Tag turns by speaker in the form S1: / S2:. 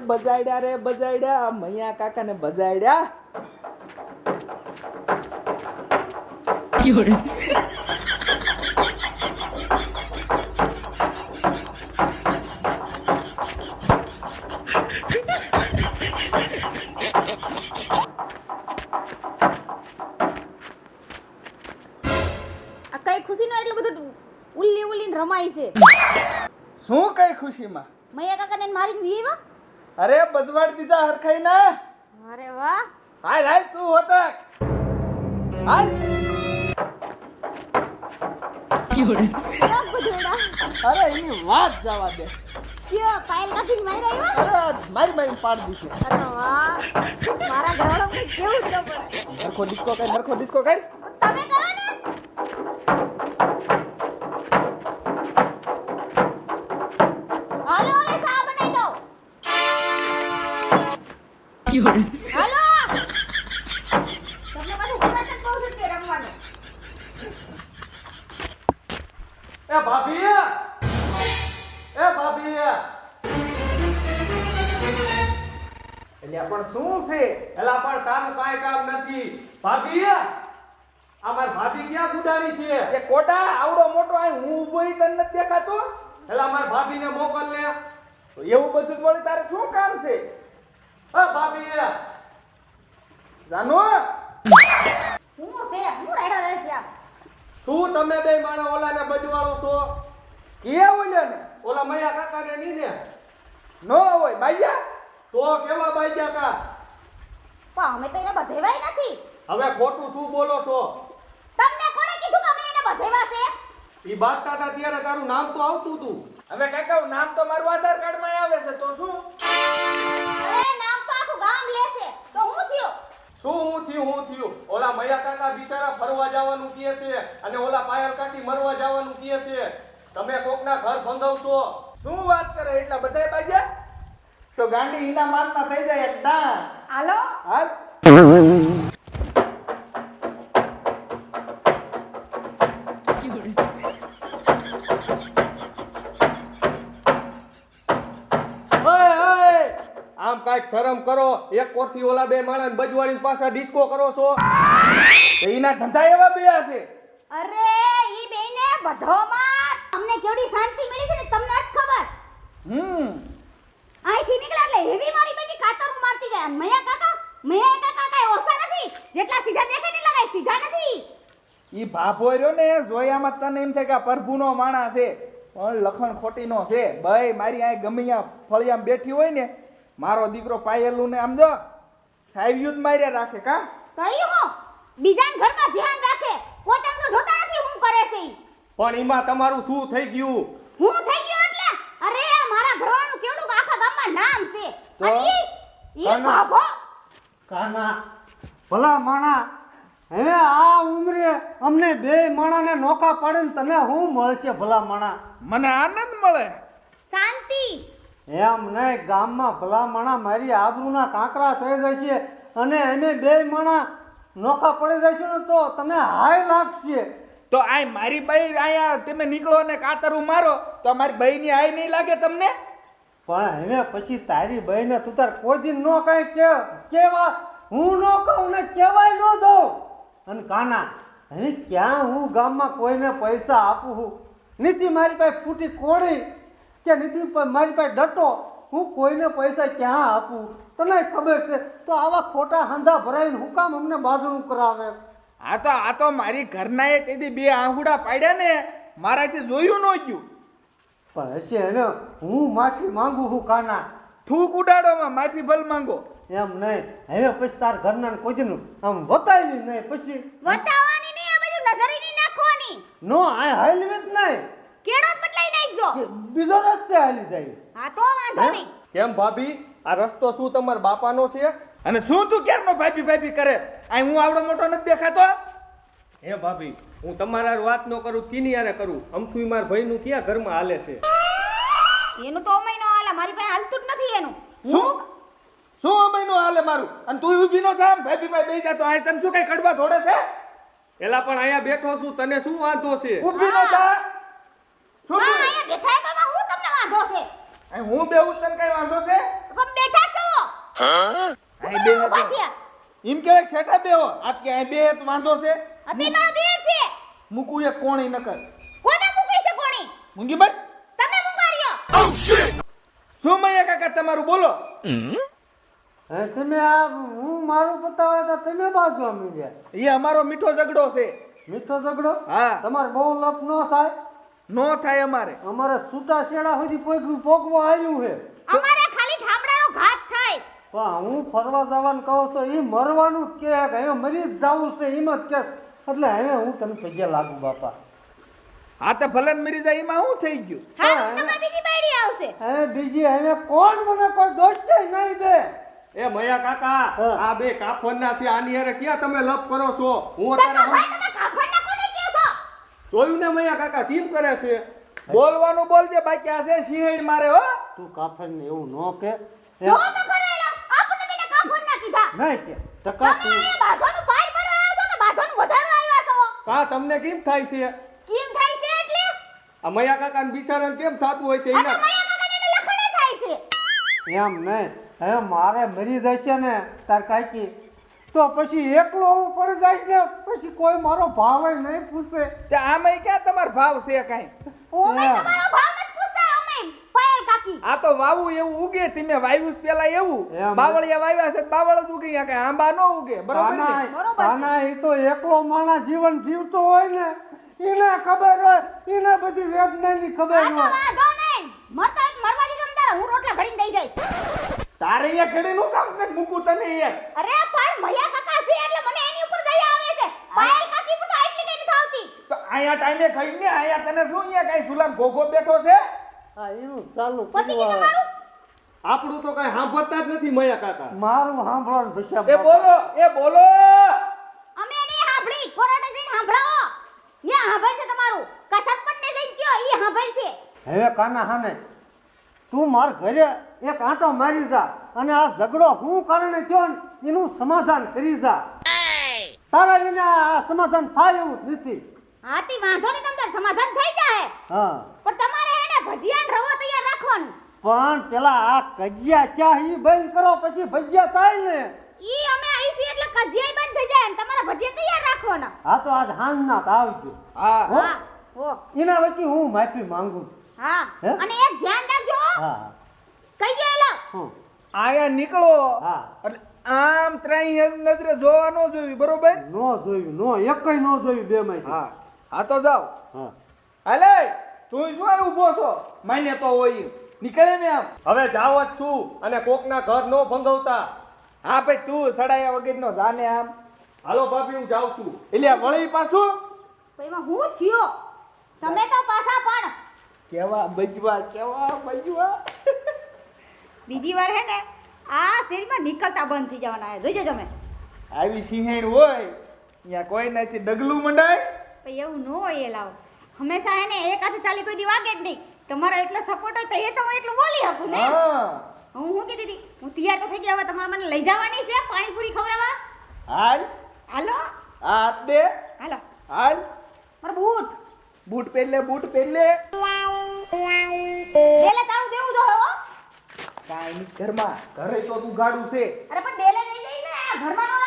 S1: બજાડ્યા રે બજાડ્યા, મૈયા કાકાને બજાડ્યા.
S2: આ કઈ ખુશીનો એટલું બધું ઉલ્લી ઉલ્લીને રમાય છે.
S1: શું કઈ ખુશીમાં?
S2: મૈયા કાકાને મારીને વીવા.
S1: અરે બજવાડ દીધા હરખાઈ ના.
S2: અરે વાહ.
S1: હાલ હાલ તું હોતક હાલ.
S2: ક્યાં બધોડા?
S1: અરે એની વાત જવા દે.
S2: ક્યાં પાયલ કાકીને મારી આવ્યા?
S1: અરે મારી મારી પાડ દીશે.
S2: અરે વાહ, મારા ઘરવાળો કે કેવું છે પણ.
S1: નરખો ડિસ્કો કર, નરખો ડિસ્કો કર.
S2: તમે કરો ને. હાલો હવે ચા બનાવી દો. હાલો. તમને પાછું ગુજરાત જ કહું છું કે રમવાનું.
S3: એ ભાભી, એ ભાભી,
S1: એટલે પણ શું છે?
S3: એલા પણ તારું કાંઈ કામ નથી. ભાભી, આ મારી ભાભી ક્યાં ગુડાણી છે?
S1: એ કોટા આવડો મોટો આ હું ઊભો ઈ તને નથી દેખાતો?
S3: એલા મારી ભાભીને મોકલ ને.
S1: તો એવું બધું જ વળી તારે શું કામ છે?
S3: એ ભાભી,
S1: જાનો
S2: હું છે હું રાડો રહે છે આપ.
S3: શું તમે બે માણસ ઓલાને બજવાળો છો?
S1: કે બોલ્યો ને
S3: ઓલા મૈયા કાકાને ની ને?
S1: નો હોય બાઈયા.
S3: તો કેવા બાઈ કા?
S2: પણ અમે તો એને બધેવાય નથી.
S3: હવે ખોટું શું બોલો છો?
S2: તમને કોણે કીધું કે અમે એને બધેવા છે?
S3: ઈ બાટતા હતા ત્યારે તારું નામ તો આવતું હતું.
S1: હવે કાકા નામ તો મારું આધાર કાર્ડ માં આવે છે તો શું?
S2: અરે નામ તો આખું ગામ લે છે તો હું થયો.
S3: શું હું થયું? ઓલા મૈયા કાકા બિચારા ફરવા જવાનું કહે છે અને ઓલા પાયલ કાકી મરવા જવાનું કહે છે. તમે કોકના ઘર ભંગાવશો.
S1: શું વાત કરે? એટલા બધાય બાઈયા? તો ગાંડી ઈના મારમાં થઈ જાય એક ડાન્સ.
S2: હાલો.
S1: હાલ.
S3: આમ કાંઈક શરમ કરો. એક કોરથી ઓલા બે માણસ બજવાડીને પાછા ડિસ્કો કરો છો.
S1: તો ઈના ધંધા એવા બે છે.
S2: અરે ઈ બેને બધોમાં અમને કેવડી શાંતિ મળી છે ને તમને જ ખબર. અહીંથી નીકળ્યા એટલે હેવી મારી બેટી કાતર મારતી જાય. અને મૈયા કાકા કાંઈ ઓછા નથી. જેટલા સીધા દેખાય ને લગાય સીધા નથી.
S1: ઈ ભાભો રહ્યો ને જોયામાં તને એમ થાય કે આ પ્રભુનો માણસ છે પણ લખણ ખોટીનો છે. ભાઈ મારી આ ગમે ત્યાં ફળિયામાં બેઠી હોય ને મારો દીકરો પાયેલું ને આમ જો સાહેબયું જ માર્યા રાખે કા.
S2: કઈ હો બીજાના ઘરમાં ધ્યાન રાખે પોતાનું તો જોતા નથી હું કરે છે ઈ.
S3: પણ એમાં તમારું શું થઈ ગયું?
S2: હું થઈ ગયો એટલે અરે મારા ઘરવાળાનું કેવડું આખા ગામમાં નામ છે.
S1: તો?
S2: અને ઈ ભાભો
S4: કાના ભલા માણા, હવે આ ઉંમરે અમને બે માણાને નોકા પાડે ને તને શું મળશે ભલા માણા?
S1: મને આનંદ મળે.
S2: શાંતિ.
S4: એમ નહીં, ગામમાં ભલા માણા મારી આબરૂના કાંકરા થઈ જશે અને અમે બે માણા નોકા પડી જશું ને તો તને હાય લાગશે.
S1: તો આ મારી બાઈ આયા તમે નીકળો ને કાતરું મારો તો મારી બાઈની આઈ નહીં લાગે તમને?
S4: પણ હવે પછી તારી બહેને તું તાર કોઈ દિન નો કાંઈ કેવા હું ન કહું ને કહેવાય ન દઉં. અને કાના હવે ક્યાં હું ગામમાં કોઈને પૈસા આપું છું? નીતિ મારી પાસે ફૂટી કોળી કે નીતિ મારી પાસે ડટો, હું કોઈને પૈસા ક્યાં આપું? તને ખબર છે તો આવા ખોટા હાંધા ભરાઈને હું કામ અમને બાજણું કરાવે?
S1: આ તો મારી ઘરનાએ તેથી બે આંગુડા પાડ્યા ને મારાથી જોયું ન ગયું.
S4: પણ હશે હવે હું માફી માંગુ છું કાના.
S1: થૂક ઉડાડોમાં માફી ભલ માંગો.
S4: એમ નહીં, હવે પછી તાર ઘરના કોઈ દિન આમ વતાવી નહીં પછી
S2: વટાવાની નહીં આ બાજુ નજરી નહીં નાખવાની.
S4: નો આ હાલવે જ નહીં,
S2: કેડો જ બદલાઈ નાખજો.
S4: બીજો રસ્તે હાલી જાય.
S2: હા તો વાંધો નહીં.
S3: કેમ ભાભી, આ રસ્તો શું તમારા બાપાનો છે?
S1: અને શું તું ક્યારનો ભાભી કરે? આ હું આવડો મોટો નથી દેખાતો?
S3: હે ભાભી, હું તમારા વાત ન કરું કીની યારે કરું. અમથું મારા ભાઈનું ક્યાં ઘરમાં હાલે છે?
S2: એનું તો અમય નો હાલે, મારી પાસે હાલતું જ નથી એનું.
S1: શું અમયનું હાલે મારું? અને તું ઊભી નો થામ ભાભી માં બેસી જા તો આ તને શું કઈ કડવા ધોડે છે?
S3: એલા પણ અહીંયા બેઠો છું, તને શું વાંધો છે?
S1: ઊભી નો થા. શું
S2: હા અહીંયા બેઠા તો હું તમને વાંધો છે?
S1: હું બેહું તને કઈ વાંધો છે?
S2: તો બેઠા
S1: અહીં બે
S2: ઊભા થયા.
S1: એમ કહેવાય કે છેટા બેહો આપ કે અહીં બે તો વાંધો છે
S2: અતિ મારો દેર છે.
S1: મૂકું એક કોણી નકર
S2: કોને મૂકી છે કોણી?
S1: મૂંગી બન
S2: તમે મુંગાર્યો.
S1: શું મૈયા કાકા તમારું બોલો
S4: હે તમે આ હું મારું બતાવે તો તમે બાજવા મીડ્યા.
S1: એ અમારો મીઠો ઝઘડો છે
S4: મીઠો ઝઘડો
S1: હા.
S4: તમારે બહુ લપ ન થાય.
S1: નો થાય અમારે
S4: અમારે છૂટા શેડા સુધી પોગવા આવ્યું છે.
S2: અમારે ખાલી ઠામડાનો ઘાત થાય.
S4: પણ હું ફરવા જવાનું કહું તો એ મરવાનું જ કે હવે મરી જ જવું છે એમ જ કે એટલે હવે હું તને પગે લાગુ બાપા.
S1: હા તો ભલે ને મરી જાય એમાં શું થઈ ગયું
S2: હા તમારી બીજી બાયડી આવશે.
S4: હવે બીજી હવે કોણ મને કોઈ દોષ નહીં દે.
S3: એ મયા કાકા
S4: હા.
S3: આ બે કાફરના છે આની હારે ક્યાં તમે લપ કરો છો હું
S2: તો
S3: અત્યારે
S2: ભાઈ તમે કાફરના કોને કહો છો?
S3: જોયું ને મયા કાકા કેમ કરે છે
S1: બોલવાનું બોલજે બાકી આ છે સિંહણ મારે હો
S4: તું કાફરને એવું ન કે
S2: જો તો ખરેલા આપણે પેલા કાફરના કીધા.
S4: નહીં કે ટકા
S2: તમે અહીંયા બાધોનું પાર પડવા આવ્યા છો કે બાધોનું વધારો આવ્યા છો?
S3: કા તમને કેમ થાય છે
S2: કેમ થાય છે એટલે?
S3: આ મયા કાકા ને બિચારાને કેમ થતું હોય છે
S2: આ તો
S3: એના
S2: મયા કાકાને એને લખણે થાય છે.
S4: એમ નહીં હવે મારે મરી જશે ને તાર કાકી તો પછી એકલો હું પડી જઈશ ને પછી કોઈ મારો ભાવ નહીં પૂછે.
S1: તે આમાંય ક્યાં તમારો ભાવ છે કાંઈ
S2: ઓમે
S4: હા.
S2: તમારો ભાવ નથી પૂછતા અમે પાયલ કાકી.
S1: આ તો વાવું એવું ઉગે તમે વાવ્યું છે પેલા એવું
S4: એમ.
S1: બાવળિયા વાવ્યા છે તો બાવળ જ ઉગે અહીંયા કાંઈ આંબા ન ઉગે બરોબર ને
S2: બરોબર છે.
S4: કાના એ તો એકલો માણસ જીવન જીવતો હોય ને એને ખબર હોય એને બધી વેદનાની ખબર
S2: આ તો
S4: હોય.
S2: વાંધો નહીં. મરતા હોય તો મરવા દીધો ને તારે હું રોટલા ઘડીને દઈ જઈશ.
S1: તારે અહીંયા ઘડી નું કામ ને મૂકું તને યાર
S2: અરે પણ મયા કાકા છે એટલે મને એની ઉપર દયા આવે છે. પાયલ કાકી પર તો આટલી કઈ નથી આવતી.
S1: તો અહીંયા ટાઈમે ખાઈ ને અહીંયા તને શું અહીંયા કાંઈ સુલામ ઘોઘો બેઠો છે
S4: હા એનું ચાલુ
S2: પતિ
S4: કર્યું
S2: કીધું
S4: હવે.
S2: મારું.
S3: આપણું તો કઈ સાંભળતા જ નથી મયા કાકા
S4: મારું સાંભળવાનું ભસ્યા
S1: એ બોલો એ બોલો
S2: અમે નહીં સાંભળી. કોર્ટે જઈને સાંભળાવો. ન્યા સાંભળશે તમારું. કા સરપંચને જઈને કયો ઈ સાંભળશે.
S4: હવે કાના હાને તું માર ઘરે એક આંટો મારી જા અને આ ઝઘડો હું કારણે થયો ને એનું સમાધાન કરી જા. તારા વિના આ સમાધાન થાય એવું જ નથી.
S2: હાથી વાંધો નહીં તમારે સમાધાન થઈ જાય.
S4: હા
S2: પણ તમારે એને ભજીયા ને રવો તૈયાર રાખવાનું.
S4: પણ પેલા આ કજિયા ચા ઈ બંધ કરો પછી ભજીયા થાય ને.
S2: ઈ અમે આવીશી એટલે કજિયાય બંધ થઈ જાય અને તમારા ભજીયા તૈયાર રાખવાના.
S4: હા તો આજ હાંજના તો આવજો.
S1: હા
S4: હો?
S2: હા હો
S4: એના વચ્ચે હું માફી માંગુ છું.
S2: હા
S4: હે?
S2: અને એક ધ્યાન રાખજો હો.
S4: હા
S2: કઈ ગયેલો
S4: હું
S1: અહીંયા નીકળો
S4: હા.
S1: એટલે આમ ત્રાઈ નજરે જોવા ન જોયું બરોબર
S4: નો જોયું નો એકય નો જોયું બે માંથી.
S1: હા હા તો જાઓ
S4: હા
S1: હાલે તું શું અહીં ઊભો છો માન્ય તો હોય નીકળે ને આમ
S3: હવે જાવ જ છું અને કોકના ઘર નો ભંગવતા
S1: હા ભાઈ તું સડાયા વગરનો જાને આમ
S3: હાલો ભાભી હું જાઉં છું
S1: એટલે આ વળી પાછું
S2: તો એમાં હું થયો તમે તો પાછા પણ
S1: કેવા બજવા
S2: બીજી વાર હે ને આ શેરીમાં નીકળતા બંધ થઈ જવાના છે જોઈજો તમે.
S1: આવી સિંહણ હોય અહીંયા કોઈ નથી ડગલું મંડાય
S2: પણ એવું ન હોય એ લાવો હંમેશા હે ને એક હાથે ચાલી કોઈ દી વાગે જ નહીં. તમારો એટલો સપોર્ટ હોય તો એ તો હું એટલું બોલી શકું ને.
S1: હા
S2: હું શું કીધી હતી હું તૈયાર તો થઈ ગયા હવે તમારે મને લઈ જવાની છે પાણીપુરી ખવડાવવા.
S1: હાલ
S2: હાલો
S1: આ હાથ દે
S2: હાલો
S1: હાલ
S2: મારો બૂટ
S1: બૂટ પહેરલે
S2: ડેલે તાળું દેવું જો હો.
S1: કાંઈ નહીં ઘરમાં ઘરે તો તું ગાડું છે
S2: અરે પણ ડેલે જઈ જઈ ને ઘરમાં